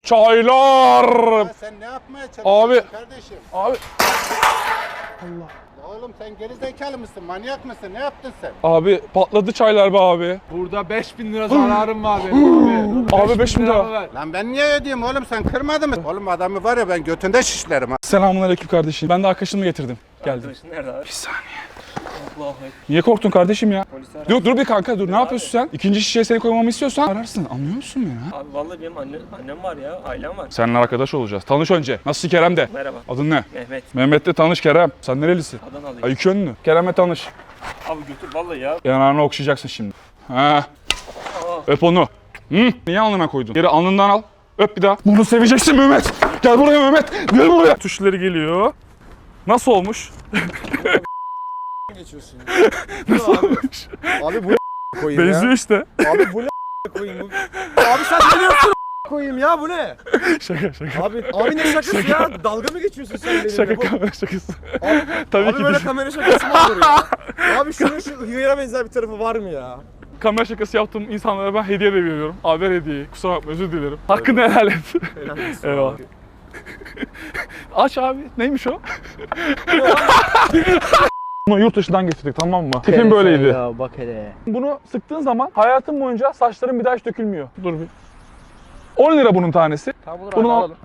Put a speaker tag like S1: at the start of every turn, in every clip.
S1: Çaylar.
S2: Ya sen ne yapmaya çalışıyorsun
S1: Abi.
S2: kardeşim?
S1: Abi. Allah.
S2: Ya oğlum sen gerizekalı mısın? Manyak mısın? Ne yaptın sen?
S1: Abi patladı çaylar be abi.
S3: Burada 5000 lira zararım var benim abi.
S1: Abi 5000 lira.
S3: ver.
S2: Lan ben niye ödeyeyim oğlum, sen kırmadın mı? Oğlum adamı var ya ben götünde şişlerim ha.
S1: Selamünaleyküm kardeşim. Ben de arkadaşımı getirdim. Geldim.
S4: Arkadaşın nerede abi?
S1: Bir saniye.
S4: Allahu ekber.
S1: Niye korktun kardeşim ya?
S4: Polisi ara.
S1: Dur bir kanka dur. Ne yapıyorsun sen? İkinci şişeye seni koymamı istiyorsan ararsın. Anlıyor musun beni ha?
S4: Abi vallahi benim annem var ya, ailem var.
S1: Seninle arkadaş olacağız. Tanış önce. Nasılsın Kerem de?
S4: Merhaba.
S1: Adın ne?
S4: Mehmet.
S1: Mehmet'le tanış Kerem. Sen nerelisin?
S4: Adanalıyım.
S1: Ay iki yönlü. Kerem'le tanış.
S4: Abi götür vallahi ya.
S1: Yanağını okşayacaksın şimdi. Ha.
S4: Aa.
S1: Öp onu. Hı? Niye alnına koydun? Geri alnından al. Öp bir daha. Bunu seveceksin Mehmet. Gel buraya Mehmet. Gel buraya. Tuşları geliyor. Nasıl olmuş?
S3: Geçiyorsun.
S1: Nasıl olmuş?
S3: Abi bu koyayım ya.
S1: Benziyor işte.
S3: Abi bu koyayım. Abi sen ne diyorsun koyayım ya, bu ne?
S1: Şaka.
S3: Abi ne şakası ya? Dalga mı geçiyorsun sen benimle?
S1: Şaka kamera şakası. Tabii
S3: Abi
S1: ki
S3: böyle
S1: değil.
S3: kamera şakası mı olur ya? Abi şunun şu hıyara benzer bir tarafı var mı ya?
S1: Kamera şakası yaptığım insanlara ben hediye de veriyorum. Abi ver hediyeyi. Kusura bakma özür dilerim. Hakkını helal et. Eyvallah. Aç abi. Neymiş o? Bunu yurt dışından getirdik, tamam mı? Tipim böyleydi.
S5: Ya bak hele.
S1: Bunu sıktığın zaman hayatın boyunca saçların bir daha hiç dökülmüyor. Dur bir. 10 lira bunun tanesi.
S5: Tamam olur
S1: Bunu
S5: abi,
S1: al.
S5: alalım.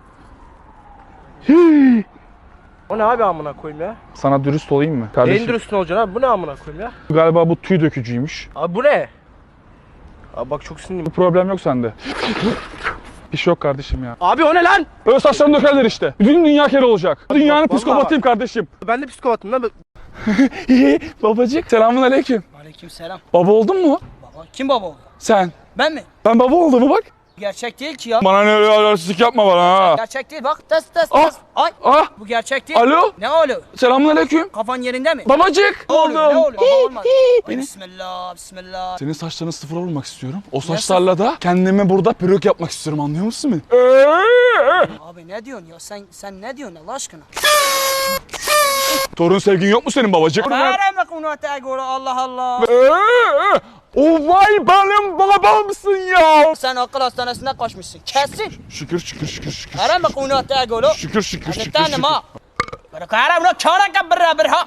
S1: Hii.
S5: O ne abi amına koyayım ya?
S1: Sana dürüst olayım mı
S5: Neyin
S1: kardeşim?
S5: dürüstün olacaksın abi? Bu ne amına koyayım ya?
S1: Galiba bu tüy dökücüymüş.
S5: Abi bu ne? Abi bak çok
S1: Bu
S5: sinirliyim.
S1: problem yok sende. Bir şey yok kardeşim ya.
S5: Abi o ne lan?
S1: Öyle saçlarını dökerler işte. Bütün dünya kere olacak. Dünyanın
S5: vallahi
S1: psikopatıyım kardeşim.
S5: Ben de psikopatım lan.
S1: Babacık selamun aleyküm.
S6: Aleykümselam.
S1: Baba oldun mu?
S6: Baba. Kim baba oldu?
S1: Sen.
S6: Ben mi?
S1: Ben baba oldum mu bak.
S6: Gerçek değil ki ya.
S1: Bana ne öyle yapma bana ha.
S6: Gerçek değil bak. Test test
S1: Ah.
S6: test. Ay.
S1: Ah.
S6: Bu gerçek değil.
S1: Alo.
S6: Ne oluyor?
S1: Selamun aleyküm.
S6: Kafan yerinde mi?
S1: Babacık.
S6: Ne oluyor? Ne oluyor? Baba olmaz. Ay,
S1: Beni-
S6: bismillah bismillah.
S1: Senin saçlarını sıfıra vurmak istiyorum. O saçlarla da kendime burada peruk yapmak istiyorum, anlıyor musun beni?
S6: Abi ne diyorsun ya? Sen ne diyorsun Allah aşkına?
S1: Torun sevgin yok mu senin babacık?
S6: Vereme konu göre Allah Allah.
S1: O vay benim babamsın ya.
S6: Sen akıl hastanesinden kaçmışsın. Kesin.
S1: Şükür.
S6: Vereme konu göre.
S1: Şükür.
S6: Hadi ma. Bırakara bunu çara kabra birha.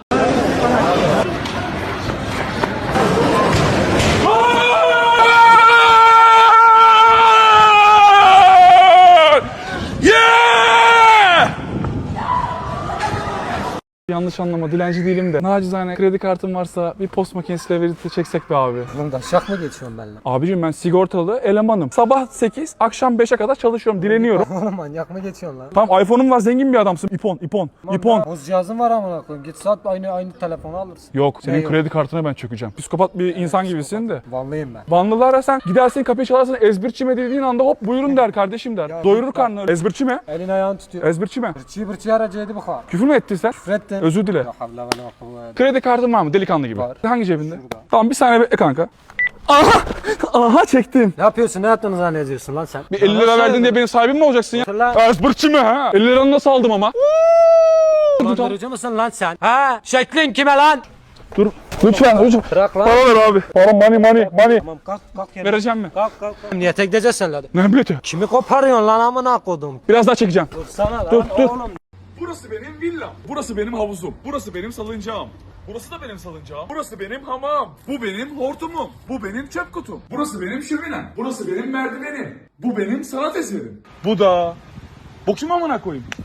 S1: Yanlış anlama, dilenci değilim de. Nacizane kredi kartım varsa bir post makinesiyle verite çeksek be abi.
S5: Oğlum da şak mı geçiyorsun benimle?
S1: Abicim ben sigortalı elemanım. Sabah 8, akşam 5'e kadar çalışıyorum, dileniyorum.
S5: Oğlum manyak mı geçiyorsun lan?
S1: Tamam iPhone'um var, zengin bir adamsın. İpon.
S5: Boz cihazın var amına koyayım. Git sat aynı telefonu alırsın.
S1: Yok, senin
S5: yok?
S1: kredi kartına ben çökeceğim. Psikopat bir insan gibisin de.
S5: Vanlıyım ben.
S1: Vanlılara sen gidersin kapıyı çalarsın, ezbirçime dediğin anda hop buyurun der kardeşim der. Doyurur karnını. Ezbirçime.
S5: Elin ayağını tutuyor.
S1: Ezbirçime.
S5: Bırçı aracıydı bu kadar.
S1: Küfür mü ettin sen?
S5: Küfrettin.
S1: Özür dile.
S5: Yok Allah bana bak.
S1: Kredi kartın var mı delikanlı gibi?
S5: Var.
S1: Hangi cebinde?
S5: Şurada.
S1: Tamam bir saniye bekle kanka. Aha çektim.
S5: Ne yapıyorsun? Ne yaptığını zannediyorsun lan sen?
S1: Bir 50 lira verdin diye benim sahibim mi olacaksın ya?
S5: Lan.
S1: Ezbirçime ha. 50 liranı nasıl aldım ama?
S5: Dolandırıcı mısın lan sen? Ha? Şeklin kime lan?
S1: Dur. Lütfen.
S5: Bırak lan.
S1: Para ver abi. Para money.
S5: Tamam kalk yere.
S1: Vereceğim mi?
S5: Kalk. Niyete gideceğiz sen hadi.
S1: Ne bileti?
S5: Kimi koparıyorsun lan amına kodum?
S1: Biraz daha çekeceğim.
S5: Dursana lan
S1: Dur.
S5: oğlum.
S7: Burası benim villam. Burası benim havuzum. Burası benim salıncağım. Burası da benim salıncağım. Burası benim hamam. Bu benim hortumum. Bu benim çöp kutum. Burası benim şöminem. Burası benim merdivenim. Bu benim sanat eserim.
S1: Bu da. Bu kim amına koyayım?